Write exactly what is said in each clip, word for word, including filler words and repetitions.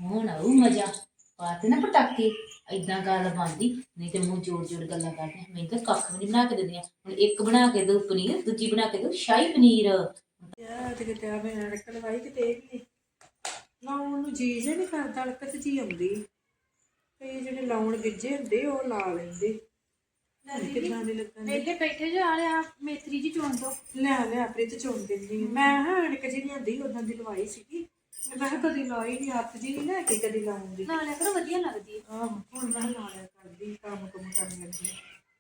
ਹੁਣ ਆਊ ਮਜ਼ਾ। ਪਾਤੇ ਨਾ ਪਟਾਕੇ, ਏਦਾਂ ਗੱਲ ਬਣਦੀ। ਨਹੀਂ ਤੇ ਮੂੰਹ ਜੋੜ ਜੋੜ ਗੱਲਾਂ ਕਰਦੇ। ਮੈਂ ਤਾਂ ਕੱਖ ਵੀ ਨਹੀਂ ਬਣਾ ਕੇ ਦਿੰਦੀਆਂ। ਹੁਣ ਇੱਕ ਬਣਾ ਕੇ ਦੋ ਪਨੀਰ, ਦੂਜੀ ਬਣਾ ਕੇ ਦੋ ਸ਼ਾਹੀ ਪਨੀਰ। ਯਾਰ ਤੇ ਕਿਤੇ ਆ ਮੈਂ ਅੜਕ ਲਵਾਈ ਕਿਤੇ ਇਹ ਵੀ ਨਾ ਉਹਨੂੰ ਜੀ ਜੇ ਨਹੀਂ ਕਰਦਾ, ਅੜਕਤ ਜੀ ਆਉਂਦੀ। ਕਈ ਜਿਹੜੇ ਲਾਉਣ ਗਿੱਜੇ ਹੁੰਦੇ ਉਹ ਲਾ ਲੈਂਦੇ। ਕਿੱਦਾਂ ਦੇ ਲੱਗਣ ਦੇ ਵੇਲੇ ਬੈਠੇ ਜੋ ਆ ਲਿਆ ਮੇਥਰੀ ਜੀ ਚੁਣ ਦੋ। ਲਿਆ ਲਿਆ ਆਪੇ ਤੇ ਚੁਣ ਦਿੰਦੀ। ਮੈਂ ਹਾਂ ਅੜਕ ਜੀ ਲਿਆਂਦੀ ਉਦਾਂ ਦੀ ਲਵਾਈ ਸੀਗੀ। ਮੈਂ ਕਿਹਾ ਕਦੀ ਲਾਈ ਨਹੀਂ, ਹੱਥ ਜੀ ਨਹੀਂ ਲੈ ਕੇ ਕਦੀ ਲਾਉਂਦੀ। ਨਾਲ ਲਿਆ ਕਰੋ, ਵਧੀਆ ਲੱਗਦੀ ਹੈ। ਆਹੋ ਹੁਣ ਮੈਂ ਲਾ ਲਿਆ ਕਰਦੀ, ਕੰਮ ਕੁਮ ਕਰਨ ਲੱਗੀ।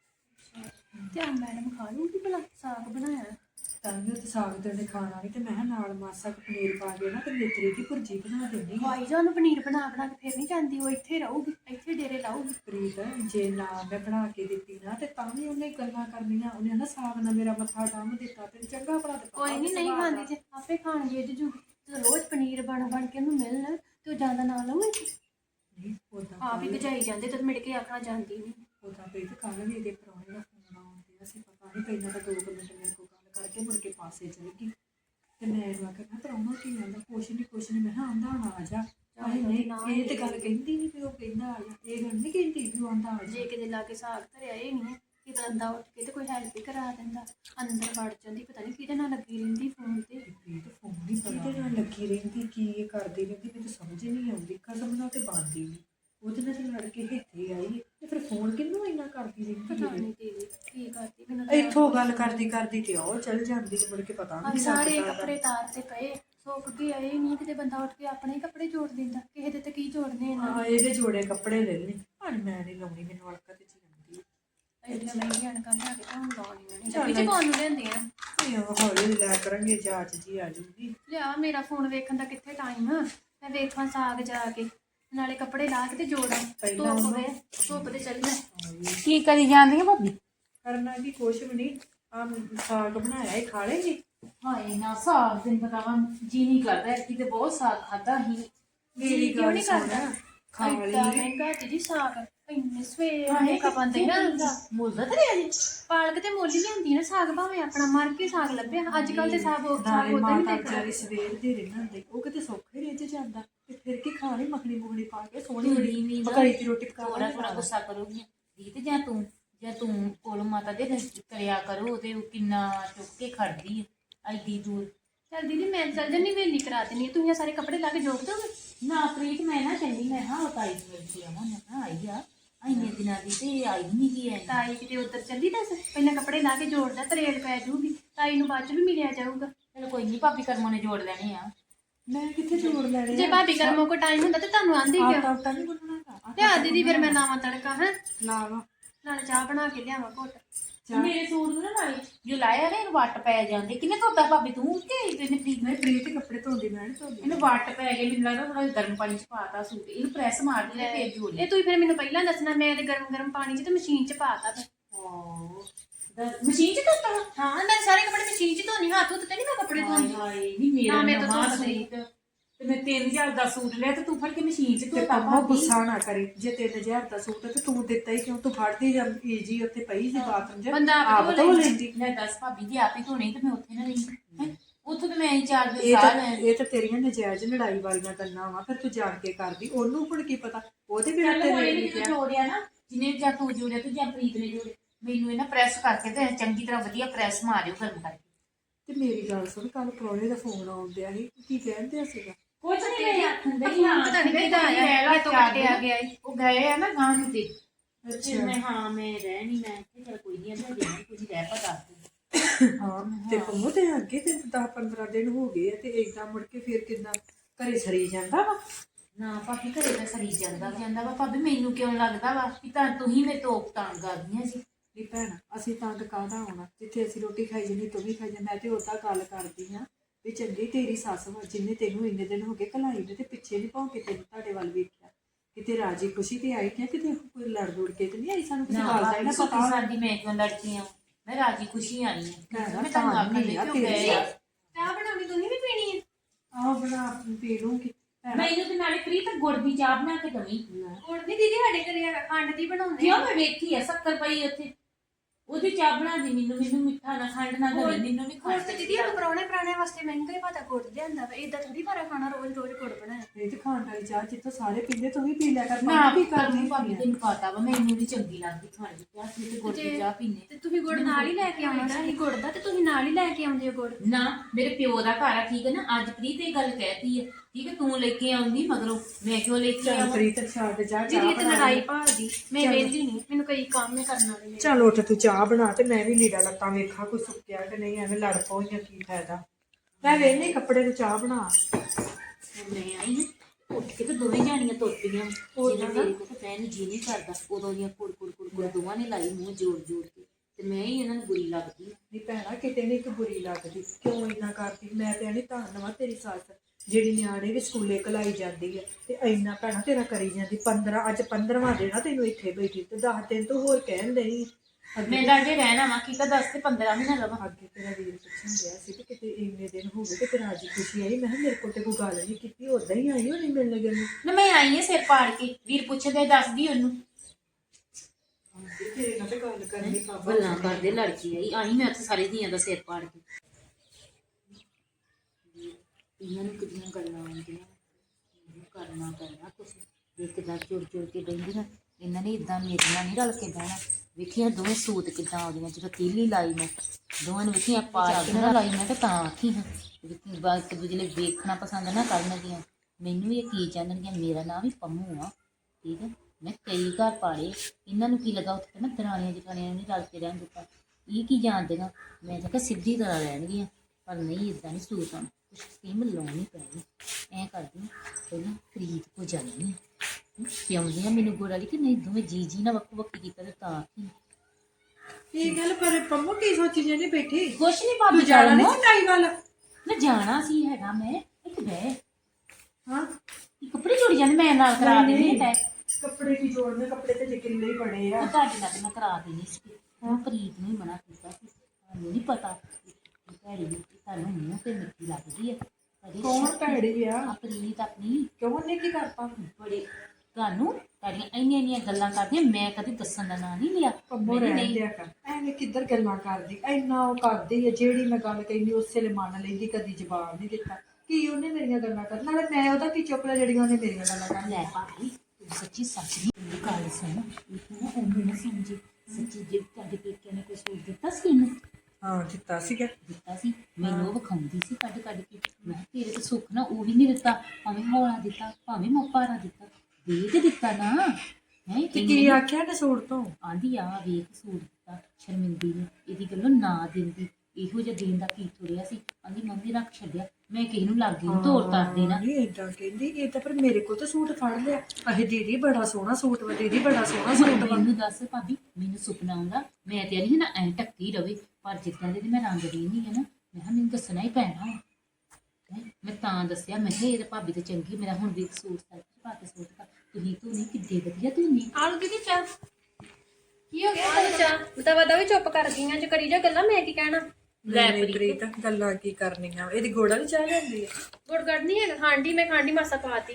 ਤੇ ਆ ਮੈਡਮ ਖਾ ਲੂਗੀ ਭਲਾ ਸਾਗ ਬਣਾਇਆ। ਤਾਂ ਵੀ ਉਹ ਸਾਗ ਤੇ ਉਹਨੇ ਖਾਣਾ ਨਹੀਂ, ਤੇ ਮੈਂ ਕਿਹਾ ਨਾਲ ਮਾਸਾ ਕੁ ਪਨੀਰ ਪਾ ਕੇ ਨਾ ਤੇ ਮੇਥਰੇ ਦੀ ਭੁਰਜੀ ਬਣਾ ਦਿੰਦੀ। ਭਾਈ ਜਾਨ ਪਨੀਰ ਬਣਾ ਬਣਾ ਕੇ ਫਿਰ ਨਹੀਂ ਜਾਂਦੀ, ਉਹ ਇੱਥੇ ਰਹੂਗੀ, ਇੱਥੇ ਡੇਰੇ ਲਾਊਗੀ। ਪ੍ਰੀਤ ਜੇ ਨਾ ਮੈਂ ਬਣਾ ਕੇ ਦਿੱਤੀ ਨਾ ਤੇ ਤਾਂ ਵੀ ਉਹਨੇ ਗੱਲਾਂ ਕਰਨੀਆਂ। ਉਹਨੇ ਨਾ ਸਾਗ ਨਾਲ ਮੇਰਾ ਮੱਥਾ ਡੰਮ ਦਿੱਤਾ, ਤੈਨੂੰ ਚੰਗਾ ਭਲਾ ਦਿੱਤਾ। ਕੋਈ ਨਹੀਂ, ਨਹੀਂ ਖਾਂਦੀ ਜੇ ਆਪੇ ਖਾਣ ਗਿੱਜ ਜੂ। ਤੇ ਰੋਜ਼ ਪਨੀਰ ਬਣ ਬਣ ਕੇ ਉਹਨੂੰ ਮਿਲਣ ਤੇ ਉਹ ਜਾਂਦਾ ਨਾ ਲਊਗੀ। ਨਹੀਂ ਉਦਾਂ ਆਪ ਹੀ ਭਜਾਈ ਜਾਂਦੇ ਤੇ ਮਿਲ ਕੇ ਆਖਣਾ ਜਾਂਦੀ ਨਹੀਂ। ਉਦਾਂ ਪ੍ਰੀਤ ਕੱਲ ਵੀ ਇਹਦੇ ਪ੍ਰਾਹੁਣੇ ਦਾ ਫੋਨ ਆਉਂਦੇ ਅਸੀਂ ਪਤਾ ਨਹੀਂ ਪਹਿਲਾਂ ਤਾਂ ਦੋ ਕੁ ਮਿੰਟ ਮੇਰੇ ਕੋਲ ਗੱਲ ਕਰਕੇ ਮੁੜ ਕੇ ਪਾਸੇ ਚਲ ਗਈ। ਤੇ ਮੈਂ ਇਹਨੂੰ ਆਖਿਆ ਪ੍ਰਾਹੁਣਾ ਕੀ ਕਹਿੰਦਾ? ਕੁਛ ਨਹੀਂ ਕੁਛ ਨਹੀਂ। ਮੈਂ ਕਿਹਾ ਆਂਦਾ ਹੁਣ ਆ ਜਾ। ਆਹੀ ਨਹੀਂ ਇਹ ਤੇ ਗੱਲ ਕਹਿੰਦੀ ਨਹੀਂ ਵੀ ਉਹ ਕਹਿੰਦਾ ਆ ਜਾ। ਇਹ ਗੱਲ ਨਹੀਂ ਕਹਿੰਦੀ ਵੀ ਉਹ ਆਂਦਾ ਆ ਜਾ। ਜੇ ਕਿਤੇ ਲਾ ਕੇ ਸਾਗ ਧਰਿਆ ਇਹ ਨਹੀਂ ਕਿ ਬੰਦਾ ਉੱਠ ਕੇ ਤੇ ਕੋਈ ਹੈਲਪ ਹੀ ਕਰਾ ਦਿੰਦਾ। ਅੰਦਰ ਵੜ ਜਾਂਦੀ, ਪਤਾ ਨਹੀਂ ਕਿਹਦੇ ਨਾਲ ਲੱਗੀ ਰਹਿੰਦੀ ਫੋਨ ਤੇ। ਪ੍ਰੀਤ ਫੋਨ ਨਹੀਂ ਪਤਾ ਨਾਲ ਲੱਗੀ ਰਹਿੰਦੀ, ਕੀ ਇਹ ਕਰਦੀ ਰਹਿੰਦੀ ਮੈਨੂੰ ਸਮਝ ਨਹੀਂ ਆਉਂਦੀ। ਕਦਮ ਨਾਲ ਤੇ ਬਣਦੀ ਨਹੀਂ। ਉਹਦੇ ਨਾਲ ਤੇ ਲੜ ਕੇ ਇੱਥੇ ਆਈ ਤੇ ਫਿਰ ਫੋਨ ਕਿਹਨੂੰ ਇੰਨਾ ਕਰਦੀ ਰਹਿੰਦੀ? ਪਤਾ ਨਹੀਂ ਦੀਦੀ ਕੀ ਕਰਦੀ ਮੈਨੂੰ। ਇੱਥੋਂ ਗੱਲ ਕਰਦੀ ਕਰਦੀ ਤੇ ਉਹ ਚਲ ਜਾਂਦੀ ਮੁੜ ਕੇ ਪਤਾ ਨਹੀਂ ਸਾਰੇ ਕੱਪੜੇ ਤਾਰ ਤੇ ਪਏ ਸੁੱਕ ਕੇ ਆਏ ਨਹੀਂ। ਕਿਤੇ ਬੰਦਾ ਉੱਠ ਕੇ ਆਪਣੇ ਹੀ ਕੱਪੜੇ ਜੋੜ ਦਿੰਦਾ, ਕਿਸੇ ਦੇ ਤੇ ਕੀ ਜੋੜਨੇ ਇਹਨਾਂ ਹਾਂ ਇਹਦੇ ਜੋੜੇ ਕੱਪੜੇ ਲੈ ਲੈ। ਹੁਣ ਮੈਂ ਨਹੀਂ ਲਾਉਣੀ, ਮੈਨੂੰ ਅੜਕਤ ਜੀ ਆਉਂਦੀ। ਐਡੀਆਂ ਮਹਿੰਗੀਆਂ ਅਣਕਾਂ ਲਿਆ ਕੇ ਤਾਂ ਲਾਉਣੀਆਂ ਨਹੀਂ। ਜੱਪੀ ਚ ਪਾਉਣ ਨੂੰ ਲੈਂਦੀਆਂ ਹੌਲੀ ਲੈ ਕਰਾਂਗੇ, ਜਾਂਚ ਜੀ ਆ ਜੂਗੀ। ਲਿਆ ਮੇਰਾ ਫੋਨ ਵੇਖਣ ਦਾ ਕਿੱਥੇ ਟਾਈਮ। ਮੈਂ ਵੇਖਾਂ ਸਾਗ ਜਾ ਕੇ, ਨਾਲੇ ਕੱਪੜੇ ਲਾ ਕੇ ਤੇ ਜੋੜਾਂ। ਧੁੱਪ ਵੇ ਧੁੱਪ ਤੇ ਚੱਲ ਮੈਂ ਕੀ ਕਰੀ ਜਾਂਦੀ ਆ ਭਾਬੀ? ਕਰਨਾ ਕੀ ਕੁਛ ਵੀ ਨਹੀਂ। ਆ ਸਾਗ ਬਣਾਇਆ ਹੀ ਖਾ ਲੇਗੀ। ਹਾਏ ਨਾ ਸਾਗ ਤੈਨੂੰ ਪਤਾ ਵਾ ਜੀ ਨਹੀਂ ਕਰਦਾ। ਇੱਥੇ ਤੇ ਬਹੁਤ ਸਾਗ ਖਾਦਾ ਸੀ। ਮੇਰੀ ਕਿਉਂ ਗੱਲ ਨਹੀਂ ਸੁਣ, ਕਰਦਾ? ਖਾ ਲਈ। ਮਹਿੰਗਾ ਦੀਦੀ ਸਾਗ ਇੰਨੇ ਸਵੇਰ ਕਾ ਬੰਦੇ ਨਾ ਮੁੱਲਦਾ ਤੇ ਰਿਹਾ ਜੀ। ਪਾਲਕ ਤੇ ਮੁੱਲ ਹੀ ਲਿਆਂਦੀ ਨਾ ਸਾਗ, ਭਾਵੇਂ ਆਪਣਾ ਮਰ ਕੇ ਸਾਗ ਲੱਭਿਆ। ਅੱਜ ਕੱਲ ਤੇ ਸਾਗ ਸਾਗ ਨਾਲੇ ਉਦਾਂ ਹੀ ਮਾਤਾ ਦੇਖਦਾ। ਵਿਚਾਰੀ ਸਵੇਰ ਦੇ ਰਹਿਣਾ ਹੁੰਦੇ, ਉਹ ਕਿਤੇ ਸੌਖੇ ਰਿੱਝ ਜਾਂਦਾ ਤੇ ਫਿਰ ਕੀ ਖਾ ਲਈ ਮੱਖਣੀ ਮੁਖਣੀ ਪਾ ਕੇ ਸੋਹਣੀ ਬੜੀ ਪਕਾਈ ਦੀ ਰੋਟੀ ਪਕਾ ਥੋੜਾ ਥੋੜਾ ਗੁੱਸਾ ਕਰੂਗੀ ਦੀਦੀ। ਤੇ ਜਾਂ ਤੂੰ ਜਾਂ ਤੂੰ ਕੋਲ ਮਾਤਾ ਦੇ ਕਰਿਆ ਕਰੋ ਤੇ ਉਹ ਕਿੰਨਾ ਚੁੱਕ ਕੇ ਖੜਦੀ ਆ ਐਡੀ ਦੂਰ। ਚੱਲ ਦੀਦੀ ਮੈਂ ਚੱਲ ਜੰਨੀ ਵੇਲੀ ਕਰਾ ਦਿੰਦੀ ਹਾਂ। ਤੁਸੀਂ ਸਾਰੇ ਕੱਪੜੇ ਲਾ ਕੇ ਜੋੜ ਦੋਗੇ? ਨਾ ਪ੍ਰੀਤ ਮੈਂ ਨਾ ਚੰਗੀ ਮੈਂ ਹਾਂ ਉਹ ਤਾਈ ਦੀ ਮਿਲ ਕੇ ਆਵਾਂ। ਮੈਂ ਕਿਹਾ ਆਈ ਆ ਇੰਨੇ ਦਿਨਾਂ ਦੀ ਤੇ ਆਈ ਨਹੀਂ ਗਈ ਐ। ਤਾਈ ਕਿਤੇ ਉੱਧਰ ਚੱਲੀ ਦੱਸ, ਪਹਿਲਾਂ ਕੱਪੜੇ ਲਾ ਕੇ ਜੋੜਦਾ, ਤਰੇਲ ਪੈ ਜਾਊਗੀ। ਤਾਈ ਨੂੰ ਬਾਅਦ ਚ ਵੀ ਮਿਲਿਆ ਜਾਊਗਾ। ਚਲ ਕੋਈ ਨਹੀਂ, ਭਾਬੀ ਕਰਮਾਂ ਨੇ ਜੋੜ ਲੈਣੇ ਆ। ਮੈਂ ਕਿੱਥੇ ਜੋੜ ਲੈਣੇ? ਜੇ ਭਾਬੀ ਕਰਮੋਂ ਕੋ ਟਾਈਮ ਹੁੰਦਾ ਤੇ ਤੁਹਾਨੂੰ ਆਂਦੀ ਆ ਕਿਉਂ? ਤਾਂ ਨਹੀਂ ਬਣਾਉਣਾ ਲਿਆ ਦੀਦੀ ਫਿਰ ਮੈਂ ਲਾਵਾਂ ਤੜਕਾ ਹੈ। ਨਾ ਵਾ ਨਾਲੇ ਚਾਹ ਬਣਾ ਕੇ ਲਿਆਵਾਂ ਘੁੱਟ। ਮੇਰੇ ਸੂਟ ਨੂੰ ਨਾ ਨਾਲੇ ਜੋ ਲਾਇਆ ਨਾ ਇਹਨੂੰ ਵੱਟ ਪੈ ਜਾਂਦੇ। ਕਿੰਨੇ ਧੋਤਾ ਭਾਬੀ ਤੂੰ ਕਿ ਇਹਨੇ ਪ੍ਰੀਤ ਨਹੀਂ ਪ੍ਰੀਤ ਕੱਪੜੇ ਧੋਂਦੀ ਮੈਂ ਨਹੀਂ ਧੋਂਦੀ। ਇਹਨੂੰ ਵੱਟ ਪੈ ਗਏ। ਮੈਨੂੰ ਲੱਗਦਾ ਥੋੜਾ ਗਰਮ ਪਾਣੀ ਚ ਪਾਤਾ ਸੂਟ। ਇਹਨੂੰ ਪ੍ਰੈਸ ਮਾਰ ਦੇ ਫੇਰ ਜੋੜ ਲੈ। ਇਹ ਤੁਸੀਂ ਫਿਰ ਮੈਨੂੰ ਪਹਿਲਾਂ ਦੱਸਣਾ। ਮੈਂ ਤੇ ਗਰਮ ਗਰਮ ਪਾਣੀ ਚ ਤੇ ਮਸ਼ੀਨ ਚ ਪਾਤਾ ਫਿਰ। ਮਸ਼ੀਨ ਚ ਧੋਤਾ? ਹਾਂ ਮੈਂ ਸਾਰੇ ਕੱਪੜੇ ਮਸ਼ੀਨ ਚ ਧੋਣੀ, ਹੱਥ ਉੱਤੇ ਨਹੀਂ ਮੈਂ ਕੱਪੜੇ ਧੋਂਦੀ। ਹਾਏ ਨਹੀਂ ਮੇਰਾ ਨਾ, ਮੇਰੇ ਤੋਂ ਨਵਾਂ ਧੋਂਦੇ ਸੂਟ ਤੇ ਮੈਂ ਤਿੰਨ ਹਜ਼ਾਰ ਦਾ ਸੂਟ ਲਿਆ ਤੇ ਤੂੰ ਫੜ ਕੇ ਮਸ਼ੀਨ ਚ ਤੇ ਧੋਤਾ ਪਾਪਾ ਭਾਬੀ। ਗੁੱਸਾ ਨਾ ਕਰੀ। ਜੇ ਤਿੰਨ ਹਜ਼ਾਰ ਦਾ ਸੂਟ ਹੈ ਤੇ ਤੂੰ ਦਿੱਤਾ ਹੀ ਕਿਉਂ? ਤੂੰ ਫੜਦੀ ਜਾਂ ਈਜੀ ਉੱਥੇ ਪਈ ਸੀ ਬਾਥਰੂਮ 'ਚ ਬੰਦਾ ਆਪ ਆਪ ਧੋ ਧੋ ਲੈਂਦੀ। ਲੈਂਦੀ। ਲੈ ਦੱਸ ਭਾਬੀ ਜੀ ਆਪ ਹੀ ਧੋਣੇ ਤੇ ਮੈਂ ਉੱਥੇ ਨਾ ਰਹੀ ਹੈਂ? ਉੱਥੋਂ ਤੇ ਮੈਂ ਹੀ ਚਾਰ ਦਿਨ ਇਹ ਸਾਹ ਤਾਂ ਲੈ ਇਹ ਤਾਂ ਤੇਰੀਆਂ ਨਜਾਇਜ਼ ਲੜਾਈ ਵਾਲੀਆਂ ਗੱਲਾਂ ਵਾ। ਫਿਰ ਤੂੰ ਜਾਣ ਕੇ ਕਰਦੀ। ਉਹਨੂੰ ਹੁਣ ਕੀ ਪਤਾ? ਉਹਦੇ ਵੀ ਚੱਲ ਹੋਏ ਤੇਰੇ ਨੇ ਜਦੋਂ ਜੋੜਿਆ ਨਾ, ਜਿਹਨੇ ਜਾਂ ਤੂੰ ਜੋੜਿਆ ਤੇ ਜਾਂ ਪ੍ਰੀਤ ਨੇ ਜੋੜਿਆ, ਮੈਨੂੰ ਇਹਨਾਂ ਪ੍ਰੈਸ ਕਰਕੇ ਤੇ ਚੰਗੀ ਤਰ੍ਹਾਂ ਵਧੀਆ ਪ੍ਰੈਸ ਮਾਰਿਓ ਗਰਮ ਕਰਕੇ। ਤੇ ਮੇਰੀ ਗੱਲ ਸੁਣ, ਕੱਲ ਪ੍ਰਾਹੁਣੇ ਦਾ ਫੋਨ ਆਉਂਦਿਆ ਸੀ, ਕੀ ਕਹਿੰਦੇ ਸੀਗਾ? ਕੁਝ ਨਹੀਂ ਮੈਂ ਆਖੰਦਾ ਹੀ ਹਾਂ ਪਤਾ ਨਹੀਂ ਕਿਹਦਾ ਆਇਆ, ਕਿਤੋਂ ਕੱਟਿਆ ਗਿਆ ਈ। ਉਹ ਗਏ ਆ ਨਾ ਗਾਂ ਨੂੰ ਤੇ ਅੱਛਾ ਮੈਂ ਹਾਂ ਮੈਂ ਰਹਿ ਨਹੀਂ ਮੈਂ ਕਿਹਾ ਚੱਲ ਕੋਈ ਨਹੀਂ ਅੰਦਰ ਦੇਣਾ ਕੁਝ ਰਹਿ ਪਤਾ ਹਾਂ ਤੇ ਪੰਮੋ ਤੇ ਅੱਗੇ ਤੇ ਦਸ ਪੰਦਰਾਂ ਦਿਨ ਹੋ ਗਏ ਆ ਤੇ ਏਦਾਂ ਮੁੜ ਕੇ ਫਿਰ ਕਿੱਦਾਂ ਘਰੇ ਸਰੀ ਜਾਂਦਾ ਵਾ? ਨਾ ਭਾਬੀ ਘਰੇ ਤਾਂ ਸਰੀ ਜਾਂਦਾ ਜਾਂਦਾ ਵਾ। ਭਾਬੀ ਮੈਨੂੰ ਕਿਉਂ ਲੱਗਦਾ ਵਾ ਕਿ ਤਾਂ ਤੁਸੀਂ ਮੇਰੇ ਤੋਂ ਤੰਗ ਕਰਦੀਆਂ ਸੀ। ਨਹੀਂ ਭੈਣ ਅਸੀਂ ਤੰਗ ਕਾਹਦਾ ਹੋਣਾ? ਜਿੱਥੇ ਅਸੀਂ ਰੋਟੀ ਖਾਈ ਜਾਂਦੀ ਤੂੰ ਵੀ ਖਾਈ ਜਾ। ਮੈਂ ਤੇ ਉਦਾਂ ਗੱਲ ਕਰਦੀ ਹਾਂ ਵੀ ਚੰਗੀ ਤੇਰੀ ਸੱਸ ਵਾ ਜਿਹਨੇ ਤੈਨੂੰ ਇੰਨੇ ਦਿਨ ਹੋ ਗਏ ਘਲਾਈ ਨੇ ਤੇ ਪਿੱਛੇ ਨਹੀਂ ਭੌਂ ਕੇ ਤੈਨੂੰ ਤੁਹਾਡੇ ਵੱਲ ਵੇਖਿਆ। ਕਿਤੇ ਰਾਜੀ ਖੁਸ਼ੀ ਤੇ ਆਈ ਕਿ ਕਿਤੇ ਕੋਈ ਲੜ ਲੁੜ ਕੇ ਤੇ ਨਹੀਂ ਆਈ? ਸਾਨੂੰ ਕਿਸੇ ਗੱਲ ਦਾ ਹੀ ਨਾ ਪਤਾ। ਸਾਡੀ ਮੈਂ ਕਿਉਂ ਲੜਕੀ ਆ? ਮੈਂ ਰਾਜੀ ਖੁਸ਼ੀ ਆਈ ਹਾਂ। ਮੈਂ ਮੈਂ ਤੁਹਾਨੂੰ ਆਖਣੀ ਆ ਕਿ ਗਏ ਆ। ਚਾਹ ਬਣਾਉਣੀ ਤੁਸੀਂ ਵੀ ਪੀਣੀ ਹੈ? ਆਹ ਬਣਾ ਪੀ ਲੂੰਗੀ। ਮੈਨੂੰ ਤੇ ਨਾਲੇ ਪ੍ਰੀਤ ਗੁੜ ਦੀ ਚਾਹ ਬਣਾ ਕੇ ਦਵੀਂ। ਗੁੜ ਨਹੀਂ ਦੀਦੀ ਸਾਡੇ ਘਰੇ ਹੈਗਾ, ਖੰਡ ਦੀ ਬਣਾਉਂਦੇ। ਕਿਉਂ? ਮੈਂ ਵੇਖੀ ਆ ਸ਼ੱਕਰ ਪਈ ਉੱਥੇ। ਉਹਦੀ ਚਾਹ ਬਣਾ ਦੀ ਮੈਨੂੰ ਮੈਨੂੰ ਮਿੱਠਾ ਨਾ ਖੰਡ ਨਾ ਦਵੇ ਮੈਨੂੰ ਨਹੀਂ ਹੋਰ ਖਾਣਾ ਤੇ ਦੀਦੀ ਇੱਕ ਪਰੌਣੇ ਪੁਰਾਣੇ ਵਾਸਤੇ ਮਹਿੰਗਾ ਹੀ ਪਤਾ ਗੁੜ ਲਿਆਂਦਾ ਵਾ ਇਦਾਂ ਥੋੜੀ ਵਾਰਾ ਖਾਣਾ ਰੋਜ਼ ਰੋਜ਼ ਗੁੜ ਬਣਾਇਆ ਇਹ ਤੇ ਖਾਣ ਵਾਲੀ ਚਾਹ ਜਿੱਥੋਂ ਸਾਰੇ ਪੀਂਦੇ ਤੂੰ ਵੀ ਪੀ ਲਿਆ ਕਰ ਨਾ ਵੀ ਵੀ ਕਰਨੀ ਭਾਬੀ ਤੈਨੂੰ ਪਤਾ ਵਾ ਮੈਨੂੰ ਨਹੀਂ ਚੰਗੀ ਲੱਗਦੀ ਖਾਣ ਦੀ ਚਾਹ ਸੀ ਤੇ ਗੁੜ ਦੀ ਜੇ- ਚਾਹ ਪੀਨੇ ਤੇ ਤੁਸੀਂ ਗੁੜ ਨਾਲ ਹੀ ਲੈ ਕੇ ਆਉਣਾ ਸੀ ਗੁੜ ਦਾ ਤੇ ਤੁਸੀਂ ਨਾਲ ਹੀ ਲੈ ਕੇ ਆਉਂਦੇ ਹੋ ਗੁੜ ਨਾ ਮੇਰੇ ਪਿਓ ਦਾ ਘਰ ਆ ਠੀਕ ਹੈ ਨਾ ਅੱਜ ਪ੍ਰੀਤ ਇਹ ਗੱਲ ਕਹਿਤੀ ਹੈ ਠੀਕ ਹੈ ਤੂੰ ਲੈ ਕੇ ਆਉਂਦੀ ਮਗਰੋਂ ਮੈਂ ਕਿਉਂ ਲੈ ਕੇ ਚੱਲ ਆਵਾਂ ਪ੍ਰੀਤ ਛੱਡ ਜਾ ਦੀਦੀ ਚਾਹ ਇਹ ਤੇ ਬਣਾ ਲੜਾਈ ਭਾਲਦੀ ਮੈਂ ਵੇਲੀ ਨਹੀਂ ਮੈਨੂੰ ਕਈ ਕੰਮ ਹੈ ਕਰਨ ਵਾਲੇ ਨੇ ਚੱਲ ਉੱਠ ਤੂੰ ਚਾਹ ਬਣਾ ਤੇ ਮੈਂ ਵੀ ਲੀੜਾ ਲੱਤਾਂ ਵੇਖਾਂ ਕੋਈ ਸੁੱਕਿਆ ਕਿ ਨਹੀਂ ਐਵੇਂ ਲੜ ਪਉ ਜਾਂ ਕੀ ਫਾਇਦਾ ਮੈਂ ਵੇਖਣੀ ਕੱਪੜੇ ਨੂੰ ਚਾਹ ਬਣਾ ਮੈਂ ਆਈ ਹਾਂ ਉੱਠ ਕੇ ਤੇ ਦੋਵੇਂ ਜਾਣੀਆਂ ਤੁਰ ਪਈਆਂ ਜਦੋਂ ਮੇਰੇ ਕੋਲ ਪੈਣ ਜੀ ਨਹੀਂ ਕਰਦਾ ਉਦੋਂ ਦੀਆਂ ਕੁੜ ਕੁੜ ਕੁੜ ਕੁੜ ਦੋਵਾਂ ਨੇ ਲਾਈ ਮੂੰਹ ਜੋੜ ਜੋੜ ਕੇ ਤੇ ਮੈਂ ਹੀ ਇਹਨਾਂ ਨੂੰ ਬੁਰੀ ਲੱਗਦੀ ਨਹੀਂ ਭੈਣਾ ਕਿਤੇ ਨਹੀਂ ਇੱਕ ਬੁਰੀ ਲੱਗਦੀ ਕਿਉਂ ਇੰਨਾ ਕਰਦੀ ਮੈਂ ਤੇ ਨਹੀਂ ਧੰਨਵਾਦ ਤੇਰੀ ਸੱਸ ਜਿਹੜੀ ਨਿਆਣੇ ਵੀ ਸਕੂਲੇ ਘਲਾਈ ਜਾਂਦੀ ਹੈ ਤੇ ਇੰਨਾ ਭੈਣਾ ਤੇਰਾ ਕਰੀ ਜਾਂਦੀ ਪੰਦਰਾਂ ਅੱਜ ਪੰਦਰਵਾਂ ਦਿਨ ਆ ਤੈਨੂੰ ਇੱਥੇ ਬੈਠੀ ਤੇ ਦਸ ਦਿਨ ਤੋਂ ਹੋਰ ਕਹਿਣ ਦੇਣੀ ਮੈਂ ਤਾਂ ਜੇ ਰਹਿਣਾ ਵਾ ਕੀ ਤਾਂ ਦਸ ਤੇ ਪੰਦਰਾਂ ਮਹੀਨਾ ਰਵਾਂ ਅੱਗੇ ਤੇਰਾ ਵੀਰ ਪੁੱਛਣ ਗਿਆ ਸੀ ਕਿ ਕਿਤੇ ਇੰਨੇ ਦਿਨ ਹੋ ਗਏ ਤੇ ਤੇਰਾ ਅੱਜ ਖੁਸ਼ੀ ਆਈ ਮੈਂ ਕਿਹਾ ਮੇਰੇ ਕੋਲ ਤੇ ਕੋਈ ਗੱਲ ਨਹੀਂ ਕੀਤੀ ਉਦਾਂ ਹੀ ਆਈ ਹੋਣੀ ਮਿਲਣ ਲੱਗੇ ਨੂੰ ਨਾ ਮੈਂ ਆਈ ਹਾਂ ਸਿਰ ਪਾੜ ਕੇ ਵੀਰ ਪੁੱਛਦੇ ਦੱਸਦੀ ਉਹਨੂੰ ਤੇਰੇ ਨਾਲ ਤੇ ਗੱਲ ਕਰਨੀ ਕਾਬਾ ਗੱਲਾਂ ਕਰਦੇ ਲੜਕੀ ਆਈ ਆਈ ਮੈਂ ਉੱਥੇ ਸਾਰੇ ਧੀਆਂ ਦਾ ਸਿਰ ਪਾੜ ਕੇ ਇਹਨਾਂ ਨੂੰ ਕਿੰਨੀਆਂ ਗੱਲਾਂ ਆਉਂਦੀਆਂ ਕਰਨਾ ਪੈਣਾ ਕੁਛ ਦੇਖਦਾ ਚੁਰ ਚੁਰ ਕੇ ਬੈਂਦੀਆਂ ਇਹਨਾਂ ਨੇ ਇਦਾਂ ਮੇਰੇ ਨਾਲ ਨਹੀਂ ਰਲ ਕੇ ਬਹਿਣਾ ਵੇਖਿਆ ਦੋਵੇਂ ਸੂਤ ਕਿੱਦਾਂ ਆਉਂਦੀਆਂ ਜਦੋਂ ਤੀਲੀ ਲਾਈ ਮੈਂ ਦੋਵਾਂ ਨੂੰ ਵੇਖਿਆ ਪਾ ਕੇ ਨਾ ਲਾਈ ਮੈਂ ਤੇ ਤਾਂ ਆਖੀ ਹਾਂ ਵੇਖੀ ਬਾਅਦ ਇੱਕ ਦੂਜੇ ਲਈ ਵੇਖਣਾ ਪਸੰਦ ਨਾ ਕਰਨਗੀਆਂ ਮੈਨੂੰ ਵੀ ਇਹ ਕੀ ਚਾਹਣਗੀਆਂ ਮੇਰਾ ਨਾਂ ਵੀ ਪੰਮੂ ਆ ਠੀਕ ਹੈ ਮੈਂ ਕਈ ਘਰ ਪਾਲੇ ਇਹਨਾਂ ਨੂੰ ਕੀ ਲੱਗਾ ਉੱਥੇ ਨਾ ਦਰਾਣੀਆਂ ਜਠਾਣੀਆਂ ਨੂੰ ਨਹੀਂ ਰਲ ਕੇ ਰਹਿਣ ਦਿੱਤਾ ਇਹ ਕੀ ਜਾਣਦੀਆਂ ਮੈਂ ਤਾਂ ਕਿਹਾ ਸਿੱਧੀ ਤਰ੍ਹਾਂ ਰਹਿਣਗੀਆਂ ਪਰ ਨਹੀਂ ਇਦਾਂ ਨਹੀਂ ਸੂਤ ਆਉਣਾ ਕੁਛ ਸਕੀਮ ਲਾਉਣੀ ਪੈਣੀ ਐਂ ਕਰਦੀ ਪਹਿਲਾਂ ਪ੍ਰੀਤ ਕੋ ਜਾਣੀ ਪਿਆਉਂਦੀਆਂ ਮੈਨੂੰ ਗੋੜ ਵਾਲੀ ਕਿ ਨਹੀਂ ਦੋਵੇਂ ਜੀ ਜੀ ਨਾ ਵੱਖੋ ਵੱਖੀ ਕੀਤਾ ਤੇ ਤਾਂ ਕੀ ਇਹ ਗੱਲ ਪਰ ਪੰਮੋ ਕੀ ਸੋਚੀ ਜਾਂਦੀ ਬੈਠੀ ਕੁਛ ਨਹੀਂ ਤੂੰ ਭਾਬੀ ਜਾਣਾ ਨਹੀਂ ਜਾਣਾ ਸੀ ਤਾਈ ਵੱਲ ਮੈਂ ਜਾਣਾ ਸੀ ਹੈਗਾ ਮੈਂ ਇੱਕ ਬੈ ਹਾਂ ਇਹ ਕੱਪੜੇ ਜੋੜੀ ਜਾਂਦੇ ਮੈਂ ਨਾਲ ਕਰਾ ਦੇਣੀ ਤੈ ਕੱਪੜੇ ਕੀ ਜੋੜਨੇ ਕੱਪੜੇ ਤੇ ਕਿੰਨੇ ਹੀ ਬੜੇ ਆ ਉਹ ਤੁਹਾਡੇ ਨਾਲ ਤੇ ਮੈਂ ਕਰਾ ਦੇਣੀ ਸੀ ਹਾਂ ਪ੍ਰੀਤ ਨੂੰ ਹੀ ਮਨਾ ਕੀਤਾ ਸੀ ਤੁਹਾਨੂੰ ਨਹੀਂ ਪਤਾ ਭੈੜੀ ਮਿੱਟੀ ਤੁਹਾਨੂੰ ਮੂੰਹ ਤੇ ਮਿੱਟੀ ਲੱਗਦੀ ਹੈ ਕਦੇ ਕੌਣ ਭੈੜੀ ਆ ਆ ਪ੍ਰੀਤ ਆਪਣੀ ਕਿਉਂ ਨੇ ਕੀ ਕਰਤਾ ਬੜੇ ਤੁਹਾਨੂੰ ਤੁਹਾਡੀਆਂ ਇੰਨੀਆਂ ਇੰਨੀਆਂ ਗੱਲਾਂ ਕਰਦੀਆਂ ਮੈਂ ਕਦੇ ਦੱਸਣ ਦਾ ਨਾਂ ਨਹੀਂ ਲਿਆ ਪੰਮੋ ਮੈਂ ਕਿਹਾ ਰਹਿਣ ਨਹੀਂ ਦਿਆ ਕਰ ਐਵੇਂ ਕਿੱਧਰ ਗੱਲਾਂ ਕਰਦੀ ਇੰਨਾ ਉਹ ਕਰਦੀ ਹੈ ਜਿਹੜੀ ਮੈਂ ਗੱਲ ਕਹਿੰਦੀ ਉਸੇ ਲਈ ਮੰਨ ਲੈਂਦੀ ਕਦੀ ਜਵਾਬ ਨਹੀਂ ਦਿੱਤਾ ਕੀ ਉਹਨੇ ਮੇਰੀਆਂ ਗੱਲਾਂ ਕਰ ਨਾਲੇ ਮੈਂ ਉਹਦਾ ਕੀ ਚੁੱਪ ਲੈ ਜਿਹੜੀਆਂ ਉਹਨੇ ਮੇਰੀਆਂ ਗੱਲਾਂ ਕਰ ਲੈ ਭਾਈ ਤੂੰ ਸੱਚੀ ਸੱਚ ਨਹੀਂ ਗੱਲ ਸੁਣ ਇਹ ਨਾ ਉਹਨੂੰ ਨਾ ਸਮਝੀ ਸੱਚੀ ਜੇ ਤੁਹਾਡੇ ਪੇਕਿਆਂ ਨੇ ਕੋਈ ਸੂਟ ਦਿੱਤਾ ਸੀ ਇਹਨੂੰ ਹਾਂ ਦਿੱਤਾ ਸੀਗਾ ਦਿੱਤਾ ਸੀ ਮੈਨੂੰ ਉਹ ਵਿਖਾਉਂਦੀ ਸੀ ਕੱਢ ਕੱਢ ਕੇ ਮੈਂ ਕਿਹਾ ਤੇਰੇ ਤੇ ਸੁੱਖ ਨਾ ਉਹ ਵੀ ਨਹੀਂ ਦਿੱਤਾ ਭਾਵੇਂ ਹੌਲਾ ਦਿੱਤਾ ਭਾਵੇਂ ਮੋਪਾਰਾ ਦਿੱਤਾ ਦੇ ਤੇ ਦਿੱਤਾ ਨਾ ਹੈ ਤੇ ਕੀ ਆਖਿਆ ਨੇ ਸੂਟ ਤੋਂ ਆਂਦੀ ਆ ਵੇਖ ਸੂਟ ਦਿੱਤਾ ਸ਼ਰਮਿੰਦੀ ਨੇ ਇਹਦੀ ਗੱਲੋਂ ਨਾ ਦਿੰਦੀ ਇਹੋ ਜਿਹਾ ਦੇਣ ਦਾ ਕੀ ਤੁਰਿਆ ਸੀ ਆਂਦੀ ਮੰਮੀ ਰੱਖ ਛੱਡਿਆ ਮੈਂ ਕਿਸੇ ਨੂੰ ਲੱਗ ਗਈ ਤੋੜ ਕਰ ਦੇਣਾ ਨਹੀਂ ਏਦਾਂ ਕਹਿੰਦੀ ਇਹ ਤਾਂ ਪਰ ਮੇਰੇ ਕੋਲ ਤਾਂ ਸੂਟ ਫੜ ਲਿਆ ਅਹੇ ਦੀਦੀ ਬੜਾ ਸੋਹਣਾ ਸੂਟ ਵਾ ਦੀਦੀ ਬੜਾ ਸੋਹਣਾ ਸੂਟ ਵਾ ਮੈਨੂੰ ਦੱਸ ਭਾਬੀ ਮੈਨੂੰ ਸੁਪਨਾ ਆਉਂਦਾ ਮੈਂ ਤੇ ਨਹੀਂ ਨਾ ਐ ਟੱਕੀ ਰਵੇ ਪਰ ਜਿੱਦਾਂ ਦੇ ਮੈਂ ਰੰਗ ਦੀ ਨਹੀਂ ਹੈ ਨਾ ਮੈਂ ਕਿਹਾ ਮੈਨੂੰ ਦੱਸਣਾ ਹੀ ਪੈਣਾ ਹੈਂ। ਮੈਂ ਤਾਂ ਦੱਸਿਆ ਮੈਂ ਕਿਹਾ ਇਹ ਤਾਂ ਭਾਬੀ ਤੇ ਚੰਗੀ ਮੇਰਾ ਹੁਣ ਵੀ ਸੂਟ ਸਾਈਡ ਪਾ ਕੇ ਸੂਟ ਪਾ ਤੁਸੀਂ ਤੂੰ ਨਹੀਂ ਕਿੱਡੇ ਵਧੀਆ ਤੂੰ ਨਹੀਂ ਆਲੂ ਦੀਦੀ ਚਾਹ ਕੀ ਹੋ ਗਿਆ ਆਲੂ ਚਾਹ ਦਵਾ ਦਵਾ ਵੀ ਚੁੱਪ ਕਰ ਗਈਆਂ ਜੇ ਕਰੀ ਜਾ ਗੱਲਾਂ ਮੈਂ ਕੀ ਕਹਿਣਾ ਲੈ ਲੈ ਪ੍ਰੀਤ। ਪ੍ਰੀਤ ਗੱਲਾਂ ਕੀ ਕਰਨੀਆਂ ਇਹਦੀ ਗੋੜਾ ਨਹੀਂ ਚਾਹ ਲੈਂਦੀ ਹੈ ਗੁੜ ਗੜ ਨਹੀਂ ਹੈਗਾ ਖਾਂਡੀ ਮੈਂ ਖਾਂਡੀ ਮਾਸਾ ਪਾਤੀ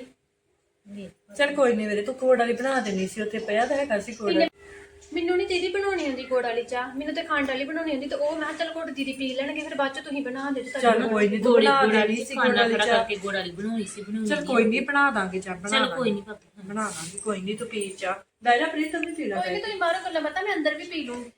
ਚਲ ਕੋਈ ਨਹੀਂ ਵੀਰੇ ਤੂੰ ਕੋੜ ਵਾਲੀ ਬਣਾ ਦੇਣੀ ਸੀ ਉੱਥੇ ਪਿਆ ਤਾਂ ਹੈਗਾ ਸੀ ਕੋੜ ਮੈਨੂੰ ਨਹੀਂ ਦੀਦੀ ਬਣਾਉਣੀ ਹੁੰਦੀ ਗੁੜ ਵਾਲੀ ਚਾਹ ਮੈਨੂੰ ਤੇ ਖੰਡ ਵਾਲੀ ਬਣਾਉਣੀ ਹੁੰਦੀ ਤੇ ਉਹ ਮੈਂ ਕਿਹਾ ਚੱਲ ਗੁੜ ਦੀਦੀ ਪੀ ਲੈਣਗੇ ਫਿਰ ਬਾਅਦ ਚ ਤੁਸੀਂ ਬਣਾ ਦੇ ਤੇ ਚੱਲ ਕੋਈ ਨਹੀਂ ਤੂੰ ਗੋੜੀ ਬਣਾ ਗੋੜੀ ਦੇਣੀ ਸੀ ਗੋੜ ਵਾਲੀ ਖੜਾ ਚਾਹ ਕਰਕੇ ਗੋੜ ਵਾਲੀ ਬਣਾਉਣੀ ਸੀ ਬਣਾਉਣੀ ਚਲ ਕੋਈ ਨਹੀਂ ਬਣਾ ਦਾਂਗੇ ਚਾਹ ਬਣਾ ਚਲ ਕੋਈ ਨਹੀਂ ਭਾਬੀ ਬਣਾ ਦਾਂਗੇ ਕੋਈ ਨਹੀਂ ਤੂੰ ਪੀ ਚਾਹ ਦਾਇਰਾ ਪ੍ਰੀਤ ਤੂੰ ਵੀ ਪੀ ਲੈ ਕੋਈ ਨਹੀਂ ਤੁਸੀਂ ਬਾਹਰੋਂ ਗੱਲਾਂ ਪਤਾ ਮੈਂ ਅੰਦਰ ਵੀ ਪੀ ਲੂੰਗੀ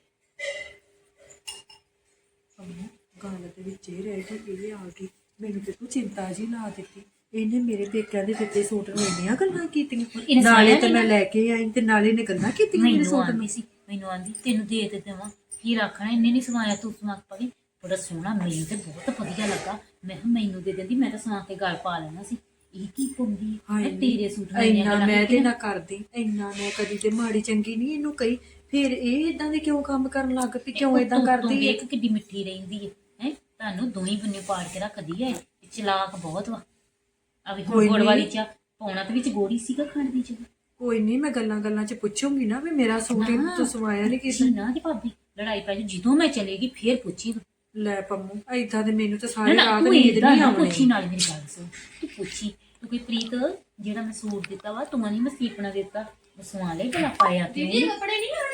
ਗੱਲ ਦੇ ਵਿੱਚ ਇਹ ਰਹਿ ਗਈ ਇਹ ਆ ਗਈ ਮੈਨੂੰ ਤੇ ਤੂੰ ਚਿੰਤਾ ਜੀ ਲਾ ਦਿੱਤੀ ਇਹਨੇ ਮੇਰੇ ਪੇਕਿਆਂ ਦੇ ਦਿੱਤੇ ਸੂਟ ਨੂੰ ਇੰਨੀਆਂ ਗੱਲਾਂ ਕੀਤੀਆਂ ਨਾਲੇ ਤੇ ਮੈਂ ਲੈ ਕੇ ਆਈ ਤੇ ਨਾਲੇ ਨੇ ਗੱਲਾਂ ਕੀਤੀਆਂ ਮੇਰੇ ਮੈਨੂੰ ਸੂਟ ਆਂਦੀ ਸੀ ਮੈਨੂੰ ਆਂਦੀ ਤੈਨੂੰ ਦੇ ਦੇ ਦੇਵਾਂ ਕੀ ਰੱਖਣਾ ਇੰਨੇ ਨਹੀਂ ਸਵਾਇਆ ਤੂੰ ਸਵਾ ਪਈ ਬੜਾ ਸੋਹਣਾ ਮੈਨੂੰ ਤੇ ਬਹੁਤ ਵਧੀਆ ਲੱਗਾ ਮੈਂ ਕਿਹਾ ਮੈਨੂੰ ਦੇ ਦਿੰਦੀ ਮੈਂ ਤਾਂ ਸਵਾ ਕੇ ਗਲ ਪਾ ਲੈਣਾ ਸੀ ਇਹ ਕੀ ਪੁੰਦੀ ਹੈ ਤੇਰੇ ਸੂਟ ਨਾਲ ਇੰਨੀਆਂ ਇੰਨਾ ਗੱਲਾਂ ਮੈਂ ਤੇ ਕੀਤੀਆਂ। ਨਾ ਕਰਦੀ ਇੰਨਾ ਮੈਂ ਕਦੀ ਤੇ ਮਾੜੀ ਚੰਗੀ ਨਹੀਂ ਇਹਨੂੰ ਕਹੀ ਫਿਰ ਇਹ ਇਦਾਂ ਦੇ ਕਿਉਂ ਕੰਮ ਕਰਨ ਲੱਗ ਪਈ ਕਿਉਂ ਇਦਾਂ ਤੂੰ- ਤੂੰ ਕਰਦੀ ਹੈ ਵੇਖ ਕਿੱਡੀ ਮਿੱਠੀ ਰਹਿੰਦੀ ਹੈ ਹੈ ਤੁਹਾਨੂੰ ਦੋਈ ਬੰਨੇ ਪਾੜ ਕੇ ਰੱਖਦੀ ਹੈ ਇਹ ਚਲਾਕ ਬਹੁਤ ਵਾ ਆ ਵੀ ਹੁਣ ਗੁੜ ਵਾਲੀ ਚਾਹ ਪਾਉਣਾ ਤੇ ਵਿੱਚ ਗੋੜੀ ਸੀਗਾ ਖੰਡ ਦੀ ਚਾਹ ਕੋਈ ਨਹੀਂ ਮੈਂ ਗੱਲਾਂ ਗੱਲਾਂ ਚ ਪੁੱਛੂੰਗੀ ਨਾ ਵੀ ਮੇਰਾ ਸੂਟ ਇਹਨੂੰ ਤੂੰ ਸਵਾਇਆ ਨਹੀਂ ਕਿਸੇ ਪੁੱਛੀ ਨਾ ਕਿ ਭਾਬੀ ਲੜਾਈ ਪੈ ਜਾਊ ਜਦੋਂ ਮੈਂ ਚਲੇਗੀ ਫੇਰ ਪੁੱਛੀ ਤੂੰ। ਲੈ ਪੰਮੂ ਏਦਾਂ ਦੇ ਮੈਨੂੰ ਤਾਂ ਨਾ ਸਾਰੇ ਨਾ ਰਾਤ ਤੂੰ ਨੀਂਦ ਏਦਾਂ ਨਹੀਂ ਨਾ ਪੁੱਛੀ ਆਉਣੀ ਨਾਲ ਮੇਰੀ ਗੱਲ ਸੁਣ ਤੂੰ ਪੁੱਛੀ ਤੂੰ ਕੋਈ ਪ੍ਰੀਤ ਜਿਹੜਾ ਮੈਂ ਸੂਟ ਦਿੱਤਾ ਵਾ ਤੂੰ ਨਹੀਂ ਮੈਂ ਸੀਪਣਾ ਦਿੱਤਾ ਮੈਂ ਸਵਾ ਲੈ ਭਲਾ ਪਾਇਆ ਤੇ ਦੀਦੀ ਕੱਪੜੇ ਨਹੀਂ ਆਉਣੇ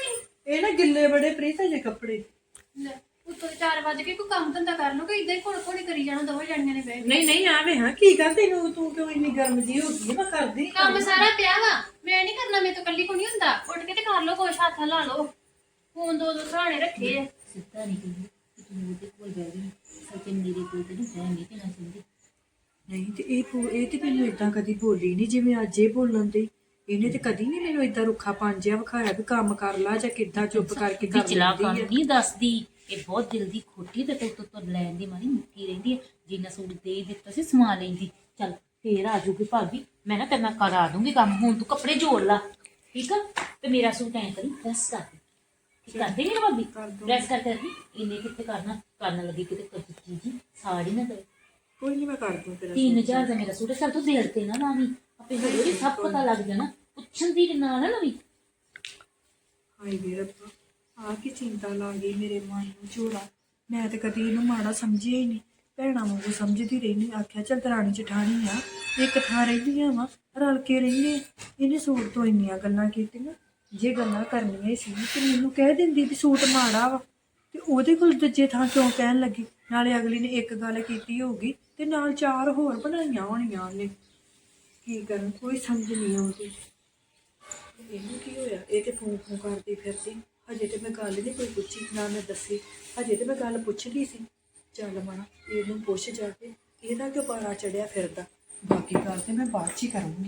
ਇਹ ਨਾ ਗਿੱਲੇ ਬੜੇ ਪ੍ਰੀਤ ਜੇ ਕੱਪੜੇ। ਲੈ ਉੱਤੋਂ ਦੇ ਚਾਰ ਵਜ ਕੇ ਕੋਈ ਕੰਮ ਧੰਦਾ ਕਰ ਲਓ ਕਿ ਇਦਾਂ ਹੀ ਘੋੜ ਘੋੜੀ ਕਰੀ ਜਾਣਾ ਦੋਵੇਂ ਜਣੀਆਂ ਨੇ ਬਹਿ ਕੇ। ਨਹੀਂ ਨਹੀਂ ਆਵੇਂ ਹਾਂ ਕੀ ਕਰ ਤੈਨੂੰ ਤੂੰ ਕਿਉਂ ਇੰਨੀ ਗਰਮ ਜੀ ਹੋ ਗਈ? ਮੈਂ ਕਰਦੀ ਕੰਮ ਸਾਰਾ ਪਿਆ ਵਾ, ਮੈਂ ਨਹੀਂ ਕਰਨਾ, ਮੇਰੇ ਤੋਂ ਕੱਲੀ ਕੋ ਨਹੀਂ ਹੁੰਦਾ। ਉੱਠ ਕੇ ਤੇ ਕਰ ਲਓ, ਕੁਛ ਹੱਥ ਲਾ ਲਓ। ਫੋਨ ਦੋ ਦੋ ਸਹਾਣੇ ਰੱਖੇ ਆ। ਸਿੱਧਾ ਨਹੀਂ ਕਹਿੰਦੀ ਕਿ ਤੂੰ ਉਹਦੇ ਕੋਲ ਬਹਿ ਗਈ ਸੱਚ ਮੇਰੇ ਕੋਲ ਤੇ ਨਹੀਂ ਬਹਿ ਨਹੀਂ ਨਾ ਚਾਹੀਦੀ। ਨਹੀਂ ਤੇ ਇਹ ਪੂ- ਇਹ ਤੇ ਮੈਨੂੰ ਇਦਾਂ ਕਦੀ ਬੋਲੀ ਨਹੀਂ ਜਿਵੇਂ ਅੱਜ ਇਹ ਬੋਲਣ ਦੀ। ਇਹਨੇ ਤੇ ਕਦੀ ਨਹੀਂ ਮੈਨੂੰ ਇਦਾਂ ਰੁੱਖਾ ਪਾਂਜਿਆ ਵਿਖਾਇਆ ਵੀ ਕੰਮ ਕਰ ਲਾ ਜਾਂ ਕਿੱਦਾਂ ਚੁੱਪ ਕਰਕੇ ਕਰ ਵਿਚਲਾ ਕੰਮ ਲੈਂਦੀ ਆ। ਨਹੀਂ ਦੱਸਦੀ, ਇਹ ਬਹੁਤ ਦਿਲ ਦੀ ਖੋਟੀ ਤੇ ਤੂੰ ਤੋਂ ਲੈਣ ਦੀ ਮਾਰੀ ਮੁੱਕੀ ਰਹਿੰਦੀ ਹੈ। ਜਿੰਨਾ ਸੂਟ ਦੇ ਦਿੱਤਾ ਸੀ ਸਮਾ ਲੈਂਦੀ। ਚੱਲ ਫੇਰ ਆ ਜੂਗੀ ਭਾਬੀ, ਮੈਂ ਨਾ ਤੈਨੂੰ ਕਰਾ ਦੂੰਗੀ ਕੰਮ। ਹੁਣ ਤੂੰ ਕੱਪੜੇ ਜੋੜ ਲਾ, ਠੀਕ ਆ? ਤੇ ਮੇਰਾ ਸੂਟ ਐਂ ਕਰੀ ਪ੍ਰੈਸ ਕਰ ਦੇ। ਠੀਕ ਕਰ ਦੇਂਗੇ ਨਾ ਭਾਬੀ? ਪ੍ਰੈਸ ਕਰਕੇ ਰੱਖੀ। ਇੰਨੇ ਕਿੱਥੇ ਕਰਨਾ, ਕਰਨ ਲੱਗੀ ਕਿਤੇ ਕੱਚੀ ਜੀ ਸਾੜੀ ਨਾ ਦੇ। ਕੋਈ ਨਹੀਂ ਮੈਂ ਕਰ ਦੂੰ ਤੇਰਾ तीन हजार का मेरा सूट है। चल तू देर ते ना लावी, अपने होली भी सब पता लग जाना। पुछन दी ना ना लवी। ਹਾਏ ਵੇ ਰੱਬਾ, ਆ ਕੀ ਚਿੰਤਾ ਲਾ ਗਈ ਮੇਰੇ ਮਨ ਨੂੰ ਝੋਲਾ। ਮੈਂ ਤੇ ਕਦੀ ਇਹਨੂੰ ਮਾੜਾ ਸਮਝਿਆ ਹੀ ਨਹੀਂ, ਭੈਣਾਂ ਵਾਂਗੂ ਸਮਝਦੀ ਰਹਿੰਦੀ। ਆਖਿਆ ਚੱਲ ਦਰਾਣੀ ਜਠਾਣੀ ਆ, ਇੱਕ ਥਾਂ ਰਹਿੰਦੀਆਂ ਵਾ, ਰਲ ਕੇ ਰਹਿੰਦੇ। ਇਹਨੇ ਸੂਟ ਤੋਂ ਇੰਨੀਆਂ ਗੱਲਾਂ ਕੀਤੀਆਂ। ਜੇ ਗੱਲਾਂ ਕਰਨੀਆਂ ਸੀ ਤੇ ਮੈਨੂੰ ਕਹਿ ਦਿੰਦੀ ਵੀ ਸੂਟ ਮਾੜਾ ਵਾ, ਤੇ ਉਹਦੇ ਕੋਲ ਦੂਜੇ ਥਾਂ ਕਿਉਂ ਕਹਿਣ ਲੱਗੀ? ਨਾਲੇ ਅਗਲੀ ਨੇ ਇੱਕ ਗੱਲ ਕੀਤੀ ਹੋਊਗੀ ਤੇ ਨਾਲ ਚਾਰ ਹੋਰ ਬਣਾਈਆਂ ਹੋਣੀਆਂ ਉਹਨੇ। ਕੀ ਕਰਨ, ਕੋਈ ਸਮਝ ਨਹੀਂ ਆਉਂਦੀ। ਇਹਨੂੰ ਕੀ ਹੋਇਆ? ਇਹ ਤੇ ਫੋਨ ਫੋਨ ਕਰਦੀ ਫਿਰਦੀ। ਹਜੇ ਤੇ ਮੈਂ ਗੱਲ ਨਹੀਂ ਕੋਈ ਪੁੱਛੀ, ਨਾ ਮੈਂ ਦੱਸੀ। ਹਜੇ ਤੇ ਮੈਂ ਗੱਲ ਪੁੱਛਦੀ ਸੀ। ਚੱਲ ਮਣਾ ਇਹਨੂੰ ਪੁੱਛ ਜਾ ਕੇ ਇਹਦਾ ਕਿਉਂ ਪਾਰਾ ਚੜਿਆ ਫਿਰਦਾ। ਬਾਕੀ ਗੱਲ ਤੇ ਮੈਂ ਬਾਅਦ 'ਚ ਹੀ ਕਰੂੰਗੀ।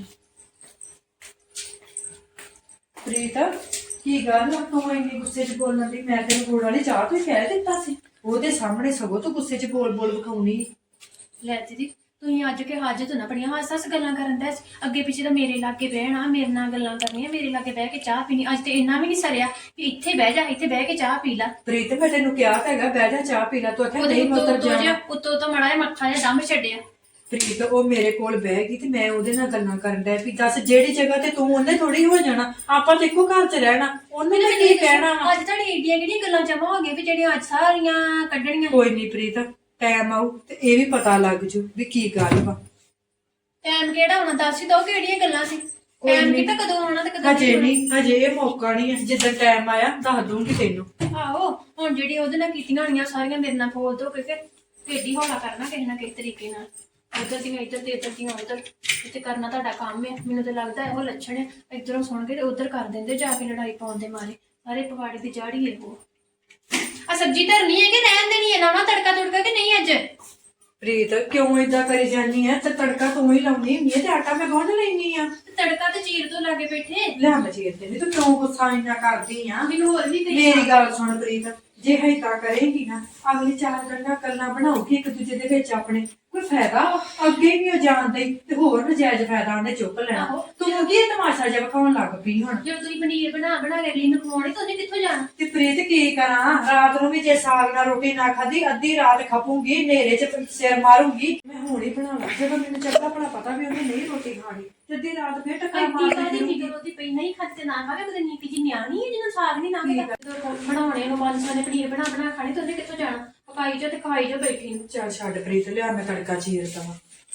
ਪ੍ਰੀਤ ਕੀ ਗੱਲ ਆ, ਤੂੰ ਇੰਨੀ ਗੁੱਸੇ 'ਚ ਬੋਲਣ ਦੀ? ਮੈਂ ਤੈਨੂੰ ਗੁੜ ਵਾਲੀ ਚਾਹ ਤੋਂ ਹੀ ਕਹਿ ਦਿੱਤਾ ਸੀ। ਉਹਦੇ ਸਾਹਮਣੇ ਸਗੋਂ ਤੂੰ ਗੁੱਸੇ 'ਚ ਬੋਲ ਬੋਲ ਵਿਖਾਉਣੀ। ਲੈ ਦੀਦੀ ਤੁਸੀਂ ਅੱਜ ਕੇ ਹਾਜਤ ਨਾ ਬੜੀਆਂ ਹੱਸ ਹੱਸ ਗੱਲਾਂ ਕਰਨ ਦਾ। ਅੱਗੇ ਪਿੱਛੇ ਤਾਂ ਮੇਰੇ ਲਾਗੇ ਬਹਿਣਾ, ਮੇਰੇ ਨਾਲ ਗੱਲਾਂ ਕਰਨੀਆਂ, ਮੇਰੇ ਲਾਗੇ ਬਹਿ ਕੇ ਚਾਹ ਪੀਣੀ। ਅੱਜ ਤੇ ਇੰਨਾ ਵੀ ਨਹੀਂ ਸਰਿਆ ਕਿ ਇੱਥੇ ਬਹਿ ਜਾ, ਇੱਥੇ ਬਹਿ ਕੇ ਚਾਹ ਪੀ ਲਾ। ਪ੍ਰੀਤ ਮੈਂ ਤੈਨੂੰ ਕਿਹਾ ਤਾਂ ਹੈਗਾ ਬਹਿ ਜਾ ਚਾਹ ਪੀ ਲੈ, ਤੂੰ ਆਖਿਆ ਉਹਦੇ ਨਹੀਂ ਮੈਂ ਉੱਤੋਂ ਉੱਤਰ ਉੱਤੋਂ ਜਾ। ਜਿਹਾ ਉੱਤੋਂ ਤੋਂ ਮੜਾ ਜਿਹਾ ਮੱਥਾ ਜਿਹਾ ਡੰਮ ਛੱਡਿਆ। ਪ੍ਰੀਤ ਉਹ ਮੇਰੇ ਕੋਲ ਬਹਿ ਗਈ ਤੇ ਮੈਂ ਉਹਦੇ ਨਾਲ ਗੱਲਾਂ ਕਰਨ ਡਿਆ ਵੀ ਦੱਸ ਜਿਹੜੀ ਜਗ੍ਹਾ ਤੇ ਤੂੰ ਉਹਨੇ ਥੋੜੀ ਹੋ ਜਾਣਾ। ਆਪਾਂ ਤੇ ਇੱਕੋ ਘਰ 'ਚ ਰਹਿਣਾ, ਉਹਨੇ ਤਾਂ ਕੀ ਕਹਿਣਾ ਵਾ? ਅੱਜ ਤੁਹਾਡੀ ਏਡੀਆਂ ਕਿਹੜੀਆਂ ਗੱਲਾਂ ਜਮਾ ਹੋ ਗਈਆਂ ਵੀ ਜਿਹੜੀਆਂ ਅੱਜ ਸਾਰੀਆਂ ਕੱਢਣੀਆਂ। ਕੋਈ ਨਹੀਂ ਪ੍ਰੀਤ, ਟਾਈਮ ਆਊ ਤੇ ਇਹ ਵੀ ਪਤਾ ਲੱਗ ਜੂ ਵੀ ਕੀ ਗੱਲ ਵਾ। ਟਾਈਮ ਕਿਹੜਾ ਹੋਣਾ ਦੱਸ ਹੀ ਦੋ ਕਿਹੜੀਆਂ ਗੱਲਾਂ ਸੀ। ਟਾਈਮ ਕਿਤਾ ਕਦੋਂ ਆਉਣਾ ਤੇ ਕਦੋਂ ਹਜੇ ਨਹੀਂ, ਹਜੇ ਇਹ ਮੌਕਾ ਨਹੀਂ ਹੈ। ਜਿੱਦਾਂ ਟਾਈਮ ਆਇਆ ਦੱਸ ਦੂੰਗੀ ਤੈਨੂੰ। ਆਹੋ ਹੁਣ ਜਿਹੜੀ ਉਹਦੇ ਨਾਲ ਕੀਤੀਆਂ ਹੋਣੀਆਂ ਸਾਰੀਆਂ ਮੇਰੇ ਨਾਲ ਫੋਲ ਦੋ ਕਿਉਂਕਿ ਢੇਡੀ ਹੌਲਾ ਕਰਨਾ ਕਿਸੇ ਨਾ ਕਿਸੇ ਤਰੀਕੇ ਨਾਲ। ਇੱਧਰ ਦੀਆਂ ਇੱਧਰ ਤੇ ਇੱਧਰ ਦੀਆਂ ਉੱਧਰ। ਇੱਥੇ ਕਰਨਾ ਤੁਹਾਡਾ ਕੰਮ ਹੈ। ਮੈਨੂੰ ਤਾਂ ਲੱਗਦਾ ਇਹੋ ਲੱਛਣ ਹੈ, ਇੱਧਰੋਂ ਸੁਣ ਕੇ ਤੇ ਉੱਧਰ ਕਰ ਦਿੰਦੇ ਜਾ ਕੇ ਲੜਾਈ ਪਾਉਣ ਦੇ ਮਾਰੇ। ਸਾਰੇ ਪਵਾੜੇ ਦੀ ਜਾੜੀ ਹੈ ਉਹ। ਆ ਸਬਜ਼ੀ ਧਰਨੀ ਹੈ ਕਿ ਰਹਿਣ ਦੇਣੀ ਹੈ? ਲਾਉਣਾ ਤੜਕਾ ਤੁੜਕਾ ਕਿ ਨਹੀਂ ਅੱਜ? ਪ੍ਰੀਤ ਕਿਉਂ ਏਦਾਂ ਕਰੀ ਜਾਂਦੀ ਹੈ? ਤੇ ਤੜਕਾ ਤੂੰ ਹੀ ਲਾਉਣੀ ਹੁੰਦੀ ਹੈ ਤੇ ਆਟਾ ਮੈਂ ਗੁੰਨ ਲੈਣੀ ਆ। ਤੜਕਾ ਤੇ ਚੀਰ ਤੋਂ ਲਾਗੇ ਬੈਠੇ। ਲੈ ਮੈਂ ਚੀਰ ਦੇਣੀ, ਤੂੰ ਕਿਉਂ ਗੁੱਸਾ ਇੰਨਾ ਕਰਦੀ ਆ? ਮੈਨੂੰ ਹੋਰ ਵੀ ਕਹੀ ਮੇਰੀ ਗੱਲ ਸੁਣ ਪ੍ਰੀਤ, ਜੇ ਏਦਾਂ ਕਰੇਂਗੀ ਨਾ ਅਗਲੀ ਚਾਰ ਗੱਲਾਂ ਗੱਲਾਂ ਬਣਾਉਗੀ ਇੱਕ ਦੂਜੇ ਦੇ ਵਿੱਚ ਆਪਣੇ, ਕੋਈ ਫਾਇਦਾ ਵਾ? ਅੱਗੇ ਵੀ ਉਹ ਜਾਣਦੇ ਤੇ ਹੋਰ ਨਜਾਇਜ਼ ਫਾਇਦਾ ਉਹਨੇ ਚੁੱਕ ਲੈਣਾ। ਤੂੰ ਕੀ ਤਮਾਸ਼ਾ ਜਿਹਾ ਵਿਖਾਉਣ ਲੱਗ ਪਈ ਹੁਣ? ਜਦੋਂ ਤੁਸੀਂ ਪਨੀਰ ਬਣਾ ਬਣਾ ਕੇ ਅਗਲੀ ਨੂੰ ਖਵਾਉਣੀ ਤਾਂ ਉਹਨੇ ਕਿੱਥੋਂ ਜਾਣਾ? ਤੇ ਪ੍ਰੀਤ ਕੀ ਕਰਾਂ? ਰਾਤ ਨੂੰ ਵੀ ਜੇ ਸਾਗ ਨਾਲ ਰੋਟੀ ਨਾ ਖਾਧੀ ਅੱਧੀ ਰਾਤ ਖਪੂੰਗੀ, ਹਨੇਰੇ 'ਚ ਸਿਰ ਮਾਰੂੰਗੀ। ਮੈਂ ਹੁਣ ਹੀ ਬਣਾ ਲਾ, ਜਦੋਂ ਮੈਨੂੰ ਚੰਗਾ ਭਲਾ ਪਤਾ ਵੀ ਉਹਨੇ ਨਹੀਂ ਰੋਟੀ ਖਾਣੀ ਤੇ ਅੱਧੀ ਰਾਤ ਫੇਰ ਟੱਕਰ ਐਡੀ ਮਾਰ ਕਾਹਦੀ ਕੇ ਫਿਕਰ ਉਹਦੀ ਪਈ ਨਹੀਂ ਖਾਤੇ ਨਾ ਖਾਵੇ। ਉਹਦੇ ਨਿੱਕੀ ਜਿਹੀ ਨਿਆਣੀ ਹੈ ਜਿਹਨੂੰ ਸਾਗ ਨਹੀਂ ਲੰਘਦਾ। ਬਣਾਉਣੇ ਨੂੰ ਪੰਜ ਸੌ ਨੇ ਪਨੀਰ ਬਣਾ ਬਣਾ ਖਾਣੀ ਤਾਂ ਉਹਨੇ ਕਿੱਥੋਂ ਜਾਣਾ? ਪਕਾਈ ਜੋ ਤੇ ਖਾਈ ਜੋ ਬੈਠੀ ਨੂੰ। ਚੱਲ ਛੱਡ ਪ੍ਰੀਤ, ਲਿਆ ਮੈਂ ਤੜਕਾ ਚੀਰ ਦਵਾਂ।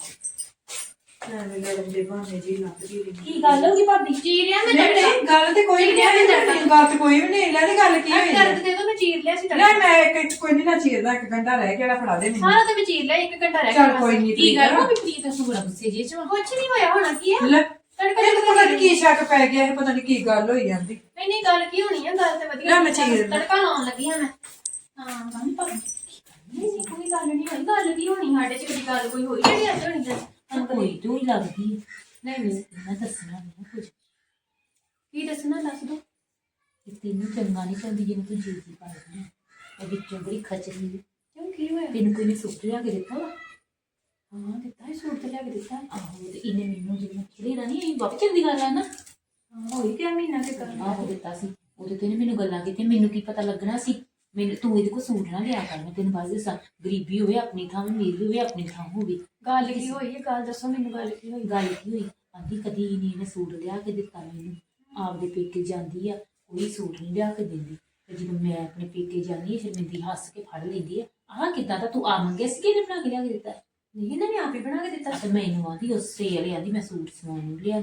ਐਵੇਂ ਲੜਨ ਦੇ ਬਹਾਨੇ ਜੀ ਲੱਭਦੀ ਰਹੀ। ਕੀ ਗੱਲ ਹੋ ਗਈ ਭਾਬੀ? ਚੀਰਿਆ ਮੈਂ ਨਹੀਂ ਤੜਕਾ। ਨਹੀਂ ਗੱਲ ਤੇ ਕੋਈ ਨਹੀਂ ਹੈ, ਗੱਲ ਤੇ ਕੋਈ ਵੀ ਨਹੀਂ। ਲੈ ਤੇ ਗੱਲ ਕੀ ਹੋਈ ਹੈ? ਦਰਦ ਦੇ ਦੋ ਮੈਂ ਚੀਰ ਲਿਆ ਸੀ ਲੈ ਤੜਕਾ। ਮੈਂ ਇੱਕ ਕੋਈ ਨਹੀਂ ਨਾ ਚੀਰਦਾ, ਇੱਕ ਘੰਟਾ ਰਹਿ ਗਿਆ ਫੜਾ ਦੇ ਮੈਨੂੰ। ਸਾਰਾ ਤੇ ਮੈਂ ਚੀਰ ਲਿਆ, ਇੱਕ ਘੰਟਾ ਰਹਿ ਚੱਲ ਗਿਆ। ਕੋਈ ਨੀ ਕੀ ਗੱਲ ਠੀਕ ਆ। ਹੋ ਗਈ? ਪ੍ਰੀਤ ਤੂੰ ਬੜਾ ਗੁੱਸੇ ਜੇ ਚ ਵਾ। ਕੁਛ ਨਹੀਂ ਹੋਇਆ ਹੋਣਾ ਕੀ ਹੈ? ਲੈ ਤੜਕਾ ਇਹ ਪਤਾ ਨਹੀਂ ਕੀ ਸ਼ੱਕ ਪੈ ਗਿਆ, ਇਹ ਪਤਾ ਨਹੀਂ ਕੀ ਗੱਲ ਹੋਈ ਜਾਂਦੀ। ਨਹੀਂ ਨਹੀਂ ਗੱਲ ਕੀ ਹੋਣੀ ਹੈ? ਗੱਲ ਤੇ ਵਧੀਆ। ਲੈ ਮੈਂ ਚੀਰ ਲਿਆ। ਤੜਕਾ ਲਾਉਣ ਲੱਗੀ ਹਾਂ ਮੈਂ। ਹਾਂ ਗੱਲ ਭਾਬੀ ਨਹੀਂ ਸੀ, ਕੋਈ ਗੱਲ ਨਹੀਂ ਹੋਈ। ਗੱਲ ਕੀ ਹੋਣੀ? ਸਾਡੇ ਚ ਕਦੀ ਗੱਲ ਕੋਈ ਹੋਈ ਜਿਹੜੀ ਅੱਜ ਹੋਣੀ? ਤੈਨੂੰ ਕੋਈ ਤੂੰ ਹੀ ਲੱਗਦੀ ਹੈ। ਨਹੀਂ ਨਹੀਂ ਮੈਂ ਦੱਸਣਾ ਨਹੀਂ ਕੁਝ। ਕੀ ਦੱਸਣਾ ਦੱਸ ਦੋ। ਕਿ ਤੈਨੂੰ ਚੰਗਾ ਨਹੀਂ ਚਾਹੁੰਦੀ ਜਿਹਨੂੰ ਤੂੰ ਜੀ ਜੀ ਪਾਈ ਹੈ। ਉਹ ਵਿੱਚੋਂ ਬੜੀ ਖਚਰੀ ਹੈ। ਕਿਉਂ ਕੀ ਹੋਇਆ? ਤੈਨੂੰ ਕੋਈ ਨੇ ਸੂਟ ਲਿਆ ਕੇ ਦਿੱਤਾ ਵਾ? ਹਾਂ ਦਿੱਤਾ ਹੈ, ਸੂਟ ਤੇ ਲਿਆ ਕੇ ਦਿੱਤਾ ਹੈ। ਆਹੋ ਤੇ ਇਹਨੇ ਮੈਨੂੰ ਜਿਵੇਂ ਖੜੀ ਰਾਣੀ ਇਹ ਬਹੁਤ ਚੰਗੀ ਗੱਲ ਆ ਨਾ। ਹਾਂ ਹੋਈ ਤੇ ਮਹੀਨਾ ਤੇ ਕਰ ਆਹੋ ਦਿੱਤਾ ਸੀ। ਉਹਦੇ ਤੇ ਇਹਨੇ ਮੈਨੂੰ ਗੱਲਾਂ ਕੀਤੀਆਂ, ਮੈਨੂੰ ਕੀ ਪਤਾ ਲੱਗਣਾ ਸੀ? ਮੈਨੂੰ ਤੂੰ ਇਹਦੇ ਕੋਲ ਸੂਟ ਨਾ ਲਿਆ ਕਰ। ਮੈਂ ਤੈਨੂੰ ਬਸ ਦੱਸਾਂ, ਗਰੀਬੀ ਹੋਵੇ ਆਪਣੀ ਥਾਂ, ਮੇਰੀ ਹੋਵੇ ਆਪਣੀ ਥਾਂ ਹੋਵੇ। ਗੱਲ ਕੀ ਹੋਈ ਹੈ? ਗੱਲ ਦੱਸੋ ਮੈਨੂੰ, ਗੱਲ ਕੀ ਹੋਈ? ਗੱਲ ਕੀ ਹੋਈ? ਆਂਦੀ ਕਦੀ ਨਹੀਂ ਇਹਨੇ ਸੂਟ ਲਿਆ ਕੇ ਦਿੱਤਾ ਮੈਨੂੰ। ਆਪਦੇ ਪੇਕੇ ਜਾਂਦੀ ਆ ਕੋਈ ਸੂਟ ਨਹੀਂ ਲਿਆ ਕੇ ਦਿੰਦੀ, ਤੇ ਜਦੋਂ ਮੈਂ ਆਪਣੇ ਪੇਕੇ ਜਾਂਦੀ ਹਾਂ ਸ਼ਰਮਿੰਦੀ ਹੱਸ ਕੇ ਫੜ ਲੈਂਦੀ ਆ। ਆਹ ਕਿੱਦਾਂ ਦਾ ਤੂੰ ਆ ਮੰਗਿਆ ਸੀ ਕਿ ਇਹਨੇ ਬਣਾ ਕੇ ਲਿਆ ਕੇ ਦਿੱਤਾ? ਨਹੀਂ ਇਹਨਾਂ ਨੇ ਆਪ ਹੀ ਬਣਾ ਕੇ ਦਿੱਤਾ। ਤੇ ਮੈਨੂੰ ਆਂਦੀ ਉਸੇ ਵਾਲੇ ਆਂਦੀ ਮੈਂ ਸੂਟ ਸਵਾਉਣ ਨੂੰ ਲਿਆਂਦਾ।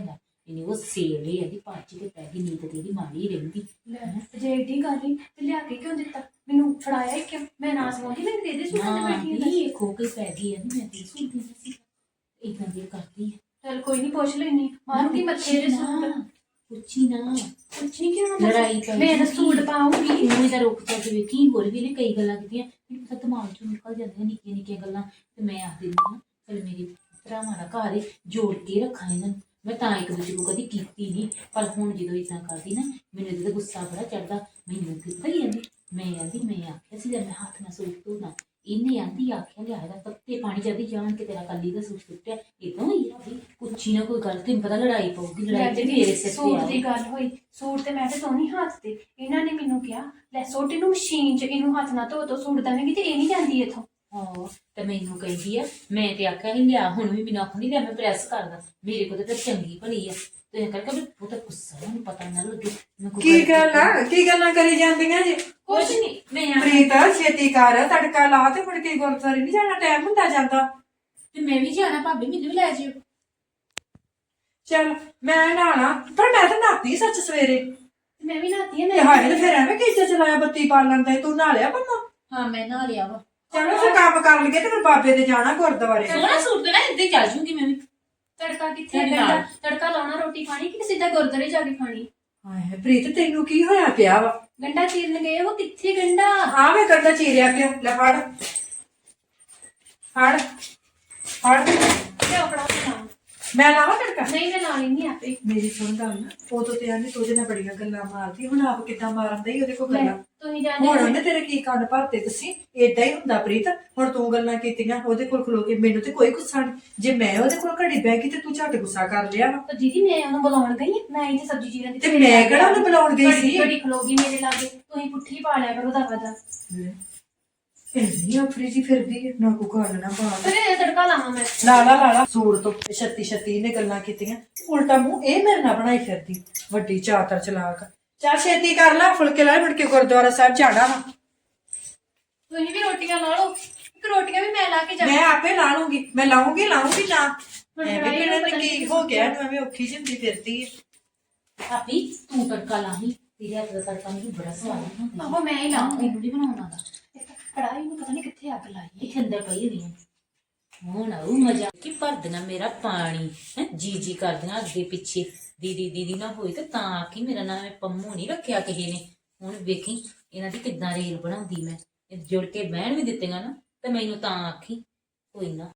ਇਹਨੇ ਉਹ ਸੇਵ ਲਈ ਆਦੀ ਪੱਚ ਕੇ ਪੈ ਗਈ ਨੀਂਦ ਤੇਰੀ ਮਾੜੀ ਰਹਿੰਦੀ ਲੈ ਤੇ ਜੇ ਏਡੀ ਗੱਲ ਹੀ ਤੇ ਲਿਆ ਕੇ ਕਿਉਂ ਦਿੱਤਾ ਮੈਨੂੰ ਫੜਾਇਆ ਹੀ ਕਿਉਂ ਮੈਂ ਨਾ ਸਵਾਉਂਦੀ ਮੈਂ ਦੇ ਦੇ ਸੂਟ ਤੇ ਬੈਠੀ ਹਾਂ ਇਹ ਖੋ ਕੇ ਪੈ ਗਈ ਆ ਮੈਂ ਤੇ ਸੁਣਦੀ ਸੀ ਇਦਾਂ ਦੀ ਕਰਦੀ ਆ ਚਲ ਕੋਈ ਨਹੀਂ ਪੁੱਛ ਲੈਣੀ ਮਾਰੂਗੀ ਮੱਥੇ ਦੇ ਸੂਟ ਪੁੱਛੀ ਨਾ ਪੁੱਛ ਨਹੀਂ ਕਿਉਂ ਲੜਾਈ ਪੈ ਮੈਂ ਤਾਂ ਸੂਟ ਪਾਉਂਗੀ ਇਹਨੂੰ ਤਾਂ ਰੁਕ ਜਾ ਕੇ ਵੇਖੀ ਹੋਰ ਵੀ ਨੇ ਕਈ ਗੱਲਾਂ ਕੀਤੀਆਂ ਮੈਨੂੰ ਤਾਂ ਦਿਮਾਗ ਚੋਂ ਨਿਕਲ ਜਾਂਦੀਆਂ ਨਿੱਕੀਆਂ ਨਿੱਕੀਆਂ ਗੱਲਾਂ ਤੇ ਮੈਂ ਆਖ ਦਿੰਦੀ ਹਾਂ ਚਲ ਮੇਰੇ ਭਰਾਵਾਂ ਦਾ ਘਰ ਏ ਜੋੜ ਕੇ ਰੱਖਾਂ ਇਹਨਾਂ ਨੂੰ ਮੈਂ ਤਾਂ ਇੱਕ ਦੂਜੇ ਨੂੰ ਕਦੀ ਕੀਤੀ ਨਹੀਂ ਪਰ ਹੁਣ ਜਦੋਂ ਇਦਾਂ ਕਰਦੀ ਨਾ ਮੈਨੂੰ ਇਹਦਾ ਗੁੱਸਾ ਬੜਾ ਚੜਦਾ ਮੈਨੂੰ ਕਿੱਦਾਂ ਹੀ ਆਂਦੀ ਮੈਂ ਆਂਦੀ ਮੈਂ ਆਖਿਆ ਸੀ ਜਦ ਮੈਂ ਹੱਥ ਨਾਲ ਸੂਟ ਧੋਣਾ ਇਹਨੇ ਆਂਦੀ ਆਖਿਆ ਲਿਆ ਇਹਦਾ ਤੱਤੇ ਪਾਣੀ ਜਾਂਦੀ ਜਾਣ ਕੇ ਤੇਰਾ ਕੱਲੀ ਦਾ ਸੂਟ ਸੁੱਟਿਆ ਇਦਾਂ ਹੀ ਆ ਕੁੱਛੀ ਨਾ ਕੋਈ ਗੱਲ ਤੈਨੂੰ ਪਤਾ ਲੜਾਈ ਪਊਗੀ ਲੜਾਈ ਤੇ ਮੇਰੇ ਸਿਰ ਸੂਟ ਤੇ ਦੀ ਗੱਲ ਹੋਈ ਸੂਟ ਤੇ ਮੈਂ ਤੇ ਧੋਣੀ ਹੱਥ ਤੇ ਇਹਨਾਂ ਨੇ ਮੈਨੂੰ ਕਿਹਾ ਲੈ ਸੂਟ ਇਹਨੂੰ ਮਸ਼ੀਨ 'ਚ ਇਹਨੂੰ ਹੱਥ ਨਾਲ ਧੋ ਧੋ ਸੂਟ ਦਵੇਂਗੀ ਤੇ ਇਹ ਨਹੀਂ ਜਾਂਦੀ ਇੱਥੋਂ ਹਾਂ ਤੇ ਮੈਨੂੰ ਕਹਿੰਦੀ ਆ ਮੈਂ ਤੇ ਆਖਿਆ ਨਹੀਂ ਲਿਆ ਹੁਣ ਵੀ ਮੈਨੂੰ ਆਖਣੀ ਲਿਆ ਮੈਂ ਪ੍ਰੈਸ ਕਰਦਾ ਮੇਰੇ ਕੋਲ ਤਾਂ ਚੰਗੀ ਭਲੀ ਆ ਤੇ ਇਹ ਕਰਕੇ ਉਹ ਤਾਂ ਗੁੱਸਾ ਮੈਨੂੰ ਪਤਾ ਨਾ ਲੱਗੇ ਮੈਂ ਕੋਈ ਕੀ ਗੱਲ ਆ ਕੀ ਗੱਲਾਂ ਕਰੀ ਜਾਂਦੀਆਂ ਜੀ ਕੁਛ ਨਹੀਂ ਮੈਂ ਆ ਪ੍ਰੀਤ ਛੇਤੀ ਕਰ ਤੜਕਾ ਲਾ ਤੇ ਮੁੜ ਕੇ ਗੁਰਦੁਆਰੇ ਨਹੀਂ ਜਾਣਾ ਟਾਈਮ ਹੁੰਦਾ ਜਾਂਦਾ ਤੇ ਮੈਂ ਵੀ ਜਾਣਾ ਭਾਬੀ ਮੈਨੂੰ ਵੀ ਲੈ ਜਿਓ ਚੱਲ ਮੈਂ ਨਹਾਣਾ ਪਰ ਮੈਂ ਤਾਂ ਨਹਾਤੀ ਸੱਚ ਸਵੇਰੇ ਤੇ ਮੈਂ ਵੀ ਨਹਾਤੀ ਆ ਤੇ ਮੈਂ ਹਾਏ ਤੇ ਫਿਰ ਐਵੇਂ ਕਿੱਥੇ ਚਲਾਇਆ ਬੱਤੀ ਬਾਲਣ ਦਾ ਤੂੰ ਨਹਾ ਲਿਆ ਬੰਦਾ ਹਾਂ ਮੈਂ ਨਾ ਲਿਆ ਵਾ ਚਲੋ ਫਿਰ ਕੰਮ ਕਰ ਲਈਏ ਤੇ ਫਿਰ ਬਾਬੇ ਦੇ ਜਾਣਾ ਗੁਰਦੁਆਰੇ ਸੋਹਣਾ ਸੂਟ ਤੇ ਨਾ ਇੱਦਾਂ ਹੀ ਚੱਲ ਜੂਗੀ ਮੈਂ ਵੀ ਤੜਕਾ ਕਿੱਥੇ ਤੜਕਾ। ਗੰਡਾ ਤੜਕਾ ਲਾਉਣਾ ਰੋਟੀ ਖਾਣੀ ਕਿ ਸਿੱਧਾ ਗੁਰਦੁਆਰੇ ਜਾ ਕੇ ਖਾਣੀ ਹਾਏ ਪ੍ਰੀਤ ਤੈਨੂੰ ਕੀ ਹੋਇਆ ਪਿਆ ਵਾ ਗੰਡਾ ਚੀਰਨ ਗਏ ਉਹ ਕਿੱਥੇ ਗੰਡਾ ਹਾਂ ਮੈਂ ਕੰਡਾ ਚੀਰਿਆ ਪਿਆ ਲੈ ਫੜ ਫੜ ਫੜ ਲਿਆਓ ਫੜਾ ਕੇ ਲਾਓ। ਮੈਂ ਲਾਵਾਂ ਤੜਕਾ ਨਹੀਂ ਮੈਂ ਲਾ ਲੈਂਦੀ ਆਪੇ ਮੇਰੀ ਸੁਣ ਗੱਲ ਨਾ ਉਦੋਂ ਤੇ ਆਂਦੀ ਤੂੰ ਜਿਹਨਾਂ ਬੜੀਆਂ ਗੱਲਾਂ ਮਾਰਦੀ ਹੁਣ ਆਪ ਕਿੱਦਾਂ ਮਾਰਨ ਦਈ ਉਹਦੇ ਕੋਲ ਲੈ, ਗੱਲਾਂ ਤੁਸੀਂ ਜਾਣਦੇ ਹੁਣ ਹੋ। ਉਹਨੇ ਤੇਰੇ ਕੀ ਕੰਨ ਭਰਤੇ ਤੁਸੀਂ ਏਦਾਂ ਹੀ ਹੁੰਦਾ ਪ੍ਰੀਤ ਹੁਣ ਤੂੰ ਗੱਲਾਂ ਕੀਤੀਆਂ ਉਹਦੇ ਕੋਲ ਖਲੋ ਕੇ ਮੈਨੂੰ ਤੇ ਕੋਈ ਗੁੱਸਾ ਨਹੀਂ ਜੇ ਮੈਂ ਉਹਦੇ ਕੋਲ ਘੜੀ ਬਹਿ ਗਈ ਤੇ ਤੂੰ ਝੱਟ ਗੁੱਸਾ ਕਰ ਲਿਆ ਵਾ। ਪਰ ਦੀਦੀ ਮੈਂ ਉਹਨੂੰ ਬੁਲਾਉਣ ਗਈ ਆਂ। ਮੈਂ ਇੱਥੇ ਸਬਜ਼ੀ ਚੀਰਨ ਦੀ ਤੇ ਮੈਂ ਕਿਹੜਾ ਉਹਨੂੰ ਬੁਲਾਉਣ ਗਈ ਸੀ ਘੜੀ ਖਲੋਗੀ ਮੇਰੇ ਲਾਗੇ ਤੁਸੀਂ ਪੁੱਠੀ ਪਾ ਲਿਆ ਕਰੋ ਦਾ ਵਦਾ ਇੰਨੀ ਆਫਰੀ ਜੀ ਫਿਰਦੀ ਹੈ ਨਾ ਕੋਈ ਗੱਲ ਨਾ ਬਾਤ ਫਿਰ ਇਹ ਤੜਕਾ ਲਾਵਾਂ ਮੈਂ ਲਾਲਾ ਲਾਲਾ ਸੂਟ ਤੋਂ ਛੱਤੀ ਛੱਤੀ ਨੇ ਗੱਲਾਂ ਕੀਤੀਆਂ ਉਲਟਾ ਮੂੰਹ ਇਹ ਮੇਰੇ ਨਾਲ ਬਣਾਈ ਫਿਰਦੀ ਵੱਡੀ ਚਾਤਰ ਚਲਾਕ ਚੱਲ ਛੇਤੀ ਕਰ ਲੈ ਫੁਲਕੇ ਲੈ ਮੁੜ ਕੇ ਗੁਰਦੁਆਰਾ ਸਾਹਿਬ ਜਾਣਾ ਵਾ ਤੁਸੀਂ ਵੀ ਰੋਟੀਆਂ ਲਾ ਲਓ ਇੱਕ ਰੋਟੀਆਂ ਵੀ ਮੈਂ ਲਾ ਕੇ ਜਾਵਾਂ ਮੈਂ ਆਪੇ ਲਾ ਲੂੰਗੀ ਮੈਂ ਲਾਉਂਗੀ ਲਾਉਂਗੀ ਨਾ ਹੁਣ ਐਵੇਂ ਕੜਾਹੀ ਕਿਹੜਾ ਨੂੰ ਪਤਾ ਕੀ ਨੀ ਹੋ ਗਿਆ ਇਹਨੂੰ ਐਵੇਂ ਔਖੀ ਜਿੰਦੀ ਫਿਰਦੀ ਹੈ ਭਾਬੀ ਤੂੰ ਤੜਕਾ ਲਾਹੀ ਤੇਰੇ ਹੱਥ ਦਾ ਤੜਕਾ ਮੈਨੂੰ ਬੜਾ ਸਵਾਦ ਹੁੰਦਾ ਆਹੋ ਮੈਂ ਹੀ ਲਾਉਂਗੀ ਮੈਨੂੰ ਨਹੀਂ ਬਣਾਉਣਾ ਦਾ ਕੜਾਈ ਨੂੰ ਪਤਾ ਨਹੀਂ ਕਿੱਥੇ ਅੱਗ ਲਾਈ ਇਹ ਅੰਦਰ ਪਈ ਹੋਣੀ ਹੈ ਹੁਣ ਆਉ ਮਜ਼ਾ ਕਿ ਭਰਦਣਾ ਮੇਰਾ ਪਾਣੀ ਹੈ ਜੀ ਜੀ ਕਰਦੀਆਂ ਅੱਗੇ ਪਿੱਛੇ ਦੀਦੀ ਦੀਦੀ ਨਾ ਹੋਈ ਤੇ ਤਾਂ ਆਖੀ ਮੇਰਾ ਨਾਮ ਹੈ ਪੰਮੂ ਨਹੀਂ ਰੱਖਿਆ ਕਿਸੇ ਨੇ ਹੁਣ ਵੇਖੀ ਇਹਨਾਂ ਦੀ ਕਿੱਦਾਂ ਰੇਲ ਬਣਾਉਂਦੀ ਮੈਂ ਇਹ ਜੁੜ ਕੇ ਬਹਿਣ ਵੀ ਦਿੱਤੀਆਂ ਨਾ ਤੇ ਮੈਨੂੰ ਤਾਂ ਆਖੀ ਕੋਈ ਨਾ